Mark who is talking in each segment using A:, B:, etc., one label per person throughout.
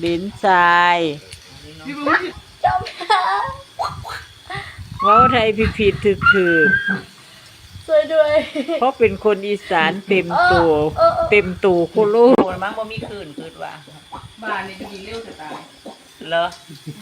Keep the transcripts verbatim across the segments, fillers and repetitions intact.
A: ลิ้นทรายเว้าไทยผิดผิดถึกถึก
B: สวยด้วย
A: เพราะเป็นคนอีสานเต็มตัวเต็มตูคุลูก
C: มั้งบ่มีคืนคืนว่าบ้านนี่จะกินเร็วจะตายเหรอ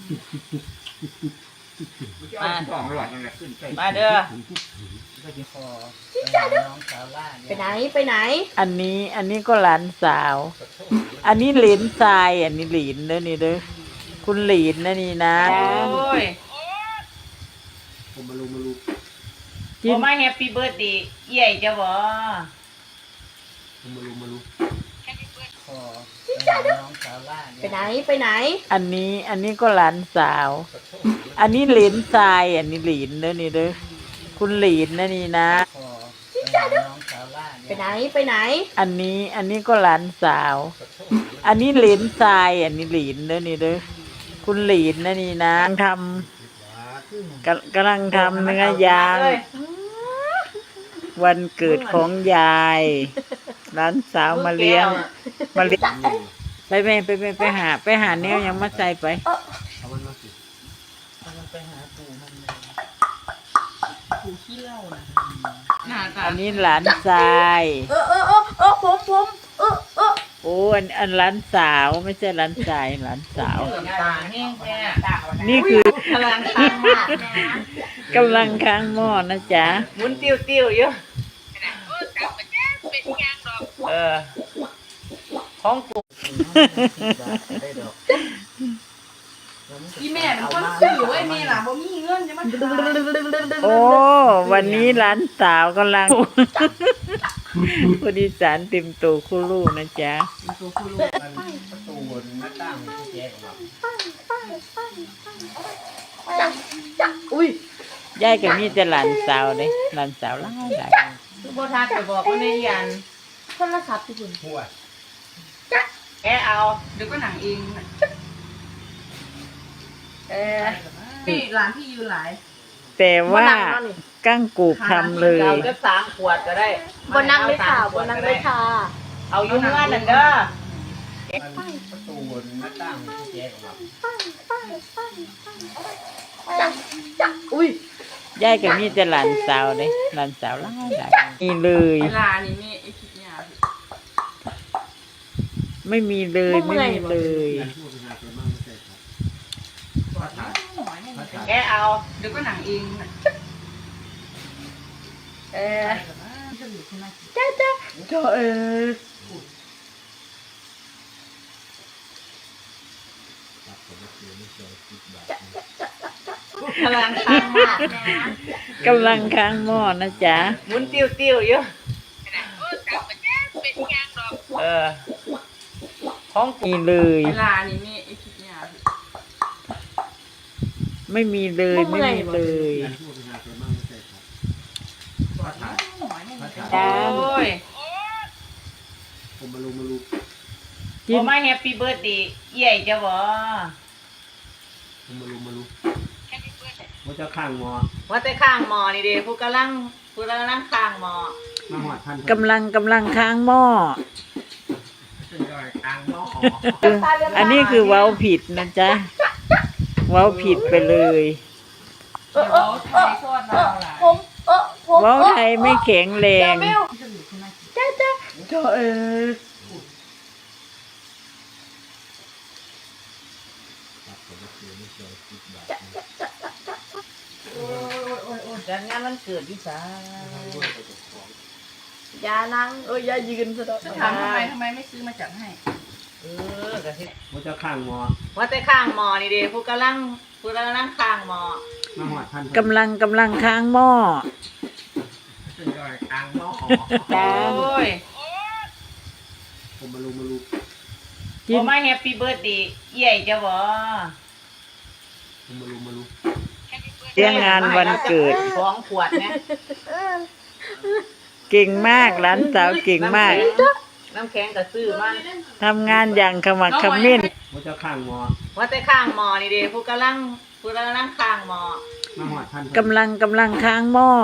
C: มามาเด้อ
B: ไปไหนไปไหน
A: อันนี้อันนี้ก็หลานสาวอันนี้หลินทรายอันนี้หลินเด้อนี่เด้อคุณหลินนะนี่นะ
C: โอ้ย
D: ผมมาลูมาลู
C: จิมมาแฮปปี้เบิร์ดเดย์เอี่ยจ้ะบ่
D: ผมมาลูมาลู
B: ไปไหนไปไหน
A: อันนี้อันนี้ก็หลานสาวอันนี้หลินทรายอันนี้หลินเด้อนี่เด้อคุณหลินนะนี่นะ
B: ไปไหนไปไหน
A: อันนี้อันนี้ก็หลานสาวอันนี้หลินทรายอันนี้หลินเด้อนี่เด้อคุณหลินนะนี่นะทำกำลังทำเนื้อย่างวันเกิดของยายหลานสาวมาเลี้ยงมาเลี้ยงไปไปไปไปไปหาไปหาแนวยังมาใส่ไป
D: เอามันมาสิ
C: ไปหาปู่มันปู่ขี้เหล้านะ
A: อันนี้หลานทราย
B: เออเออเออเออผมผมเออเออ
A: โอ้อันอันหลานสาวไม่ใช่หลานชายหลานสาวนี่คือกำลังค้างหม้อกำลังค้างหม้อนะจ๊ะ
C: หมุนติ้วติ้วอยู่เออของปู่
B: อีแม่เป็นคนซื้อไว้แม่ล่ะบ่มีเงินจะมา
A: โอ้วันนี้หลานสาวกำลังคนอีสานเต็มตัวคู่ลูกนะจ๊ะ
D: ประตูหน้าต่างที่แจ๊กออก
B: มาอุ้ย
A: ยายกับนี่จะหลานสาวเลยหลานสาวล่าหลาย
C: คือบ่ทักไปบอกว่าในยัน
B: โทรศัพท์ที่คุณ
D: หัว
C: แกเอาเดี๋ยวก็หนังเอง
B: เออพี่ร้านพี่ยืนหลาย
A: แต่ว่ากั้งกูกทำเลย
C: เราจะสามขวดก็ได้
B: บนนั่งเลยค่ะบนนั่งเลยค่ะ
C: เอายุ่งงานนั่นเด้อ
D: ประตูหน้าต่างที่แจ๊กออก
B: มาอุ้ย
A: ยายกับนี่จะหลานสาวเลยหลานสาวล่าหลายนี่เลย
C: ลานี่นี่ไอ้คิดยา
A: ไม่มีเลยไม่มีเลย
C: แกเอาเดี๋ยวก็หนังเอง
B: เออจ้าจ้าจ้าเออ
C: กำลังค้างหม้
A: อกำลังค้างหม้อนะจ๊ะ
C: หมุนติ้วติ้วอยู่เออของ
A: มีเลย
C: ลานี่นี่ไอ้คิดยา
A: ไม่มีเลยไม่มีเลย
C: โอ้ย
D: ผมมาลูมาลู
C: ผมมาแฮปปี้เบิร์ดเดย์เอี่ยจ้ะบ่
D: ผมมาลูมาลูว่าจะข้างหมอ
C: ว่าแต่ข้างหมอนี่เด้ผู้กำลังผู้กำลังข้างหมอ
D: มาหอดท่าน
A: กำลังกำลังค้างหม้ออันนี้คือเว้าผิดนะจ๊ะเว้าผิดไปเลยเว้าไทยไม่แข็งแรง
B: จ้าจ้าจ้าเออ
C: จัดงานวันเกิดพี่สา
B: อย่านั่งเอ้ยอย่ายืนซะดอก
C: ถามทำไมทำไมไม่ซื้อมาจัดให้เออกะทิ
D: ว่าจะข้างหมอ
C: ว่าแต่ข้างหมอนี่เด้ผู้กำลังผู้กำลังข้างหมอ
D: มาหอดท่าน
A: กำลังกำลังค้างหม้อ
D: ข้างหม้อ
C: โอ้ย
D: ผมมาลูมาลู
C: ผมมาแฮปปี้เบิร์ดเดย์เอี่ยจ้ะบ่
D: ผมมาลูมาลู
A: เลี้ยงงานวันเกิด
C: สองขวดนะ
A: เก่งมากหลานสาวเก่งมาก
C: น้ำแข็งกับซื้อมา
A: ทำงานอย่างขมักเขม้น
D: ว่าจะข้างหมอ
C: ว่าแต่ข้างหมอนี่เด้ผู้กำลังผู้กำลังข้างหมอ
D: มาหอดท่าน
A: กำลังกำลังค้างหม้อ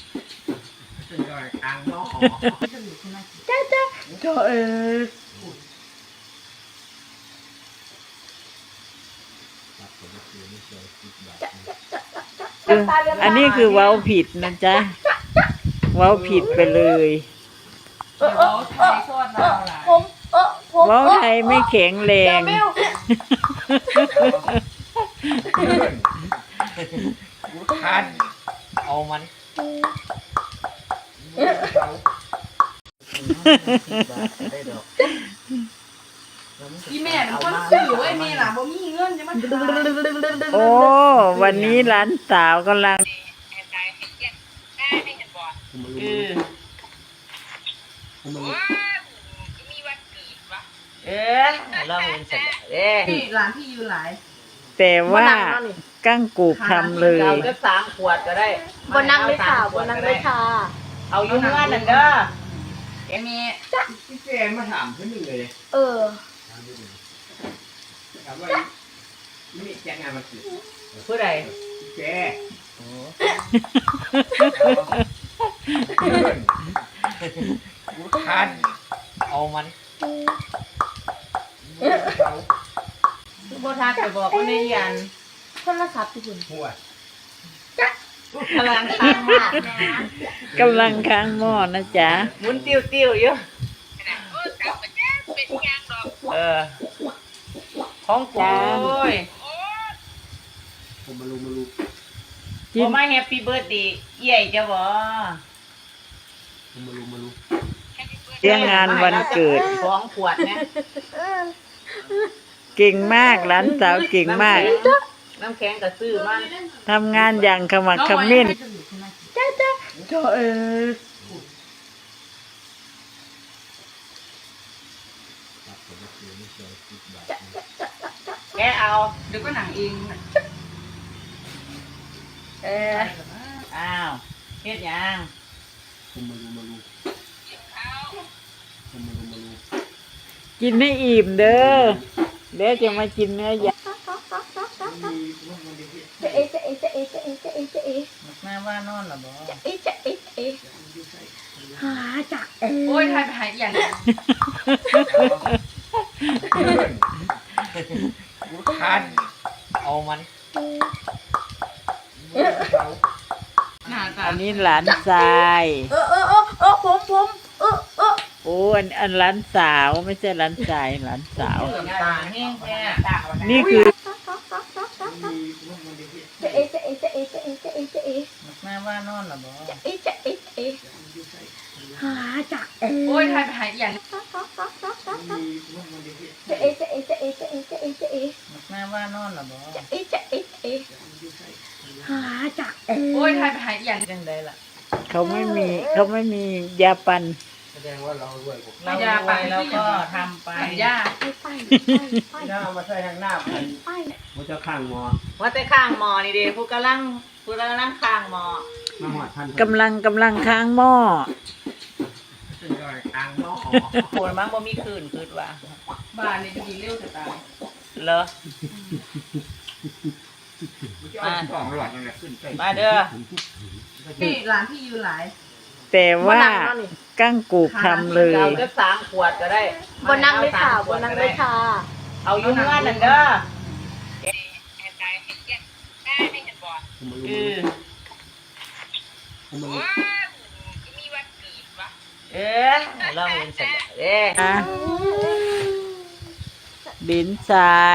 D: ข้างหม้อ
B: จ้าจ้าจ้าเออ
A: เอออันนี้คือเว้าผิดนะจ๊ะเว้าผิดไปเลย
C: เดี๋ยวเขาไทยทอดเราล่ะ
B: ผมเออผม
A: เว้าไทยไม่แข็งแรง
B: เบล
D: คันเอามัน
C: อีแม่เป็นคนซื้อไว้แม่ล่ะบ่มีเงินจะมาขาย
A: โอ้วันนี้หลานสาวกำลัง
C: เออ
E: เออเราเห็นเสร็จเด้
C: นี่ร้านที่อยู่หลาย
A: แต่ว่ากั้งกูกทำเลย
E: เราจะสามขวดก็ได้
B: บนนั่งเลยค่ะบนนั่งเลยค่ะ
E: เอาอยู่เงื่อนนั่นเด้อ
C: เอ็มมี่
D: พี่แกมาถามเพื่อนหนึ่งเลย
B: เออ
D: ถามว่าไม่มีแจ้งงานมาสิ
E: ผู้ใด
D: พี่แก คันเอามัน
E: โบทักไปบอกว่าในยัน
B: โทรศัพท์ที่คุณ
D: หัว
E: กำลังค้างมาก
A: กำลังค้างหม้อนะจ๊ะ
E: หมุนติ้วติ้วอยู่เออของกูโอ้ย
D: ผมมาลูมาลู
A: กิน
E: บ่มาแฮปปี้เบิร์ดดีเอี่ยจะบ่
D: ผมมาลูมาลู
A: เลี้ยงงานวันเกิด
E: สองขวดเนี่ย
A: เก่งมากหลานสาวเก่งมาก
E: น้ำแข็งกับซื้อมัน
A: ทำงานอย่างขมักเขม้น
B: จ้าจ้าจ้าเออ
E: แกเอา
C: เดี๋ยวก็หนังเอง
E: เอออ้าวเฮ็ดหยัง
D: ผมมาลูมาลูผมมาลูมาลู
A: กินให้อิ่มเด้อเดี๋ยวจะมากินเนื้อย่าง
B: จะเอจะเอจะเอจะเอจะเอจะเอ
E: แม่ว่านอนหรอบ่
B: เอจะเอเอหาจักเอ
C: โอ้ยไทยไปหาอย่าง
D: คันเอามัน
C: หน้าตา
A: อันนี้หลานชาย
B: เออเออเออเออผมผมเออเออ
A: โอ้อันอันหลานสาวไม่ใช่หลานชายหลานสาว
E: เหลือตาแห้งแท้
A: นี่คือ
B: จะเอจะเอจะเอจะเอจะเอจะเอ
E: แม่ว่านอนหรอบ่
B: เอจะเอเอหาจักเอ
C: โอ้ยไทยไปหาอย่าง
B: จะเอจะเอจะเอจะเอจะเอจะเอ
E: แม่ว่านอนหรอบ่
B: เอจะเอเอหาจักเอ
C: โอ้ยไทยไปหาอย่าง
E: จังไดล่ะ
A: เขาไม่มีเขาไม่มียาปัน
D: แสดงว่าเราด้วยผม
E: เรายาไปแล้วก็ทำไป
C: ปัญญา
B: ไปไปไป
D: หน้ามาใส่ทางหน้าผม
B: ไป
D: มันจะข้างมอ
E: ว่าแต่ข้างหมอนี่เด้ผู้กำลังผู้กำลังข้างหมอ
D: มาหอดท่าน
A: กำลังกำลังค้างหม้อ
D: ข้างนอก
E: โหยมั้งบ่มีคืนคืนว่า
C: บ้านนี่จะมีเร็วจะตาย
E: เหรอ
D: อ่าสองหลอดนั่นแหละขึ้นไป
E: มาเด้อ
C: นี่ร้านที่อยู่หลาย
A: แต่ว่ากั้งกูกทำเลย
E: เราจะสามขวดก็ได้
B: บนนั่งเลยค่ะบนนั่งเลยค่ะ
E: เอาอยู่เงื่อนนั่นเด้อ
D: ผมมา
E: เอ
D: ลู
E: อ
D: ผมมาลู
E: เออเราเห็นเสร็จเด้
A: นะดินทราย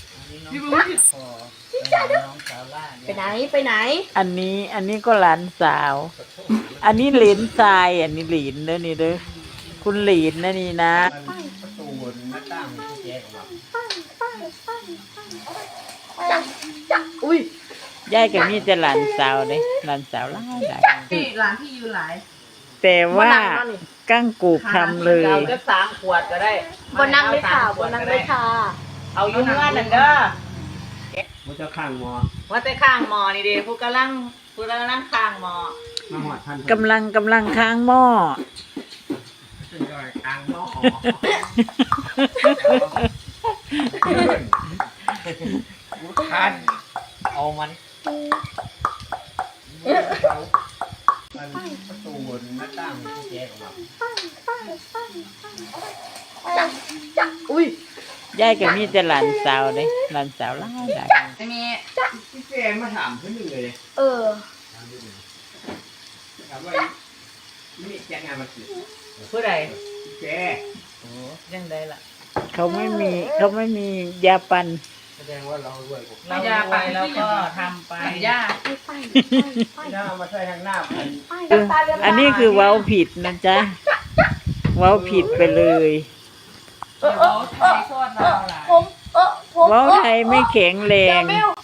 E: น้องสาวล่า
B: ไปไหนไปไหน
A: อันนี้อันนี้ก็หลานสาว อันนี้เหลนทราย อันนี้หลีนเด้อนี่เด้อคุณหลีนนะนี่นะ
D: ประตูหน้าต่างที่แจ๊กออกมา
B: จักจักอุ้ย
A: ยายกับมีแต่หลานสาวเลยหลานสาวหลายหลาย
C: นี่ร้านที่อยู่หลาย
A: แต่ว่ากั้งกูกทำเลย
E: เราจะสามขวดก็ได้
B: บนนั่งเลยค่ะบนนั่งเลยค่ะ
E: เอาอยู่เงื่อนนั่นเด้อ
D: มันจะข้างมอ
E: ว่าแต่ข้างหมอนี่เด้ผู้กำลังผู้กำลังข้างหมอ
D: มาหอดท่าน
A: กำลังกำลังค้างหม้อ
D: ข้างนอกคันเอามันประตูหน้าต่างที่แจ๊กออกมา
B: จักจักอุ้ย
A: ยายก็มีแต่หลานสาวเลยหลานสาวหลายหลาย
B: ไอ้เมีย
D: พี่แกมาถามเพื่อนหนึ่งเลย
B: เออ
D: ถามว่านี่แกงานมาสิ
E: ผู้ใด
D: พี่แก
E: โอ้ยังได้ล่ะ
A: เขาไม่มีเขาไม่มียาปัน
D: แสดงว่าเราด้วยผม
E: เรารวยแล้วก็ทำไป
B: ย่า
D: หน้ามาใส่ทางหน้าผม
A: อันนี้คือเว้าผิดนะจ๊ะเว้าผิดไปเลย
E: เดี๋ยวเขาไทยโทษเราล่ะ
B: ผมเออผม
A: เว้าไทยไม่แข็งแรง
B: เบล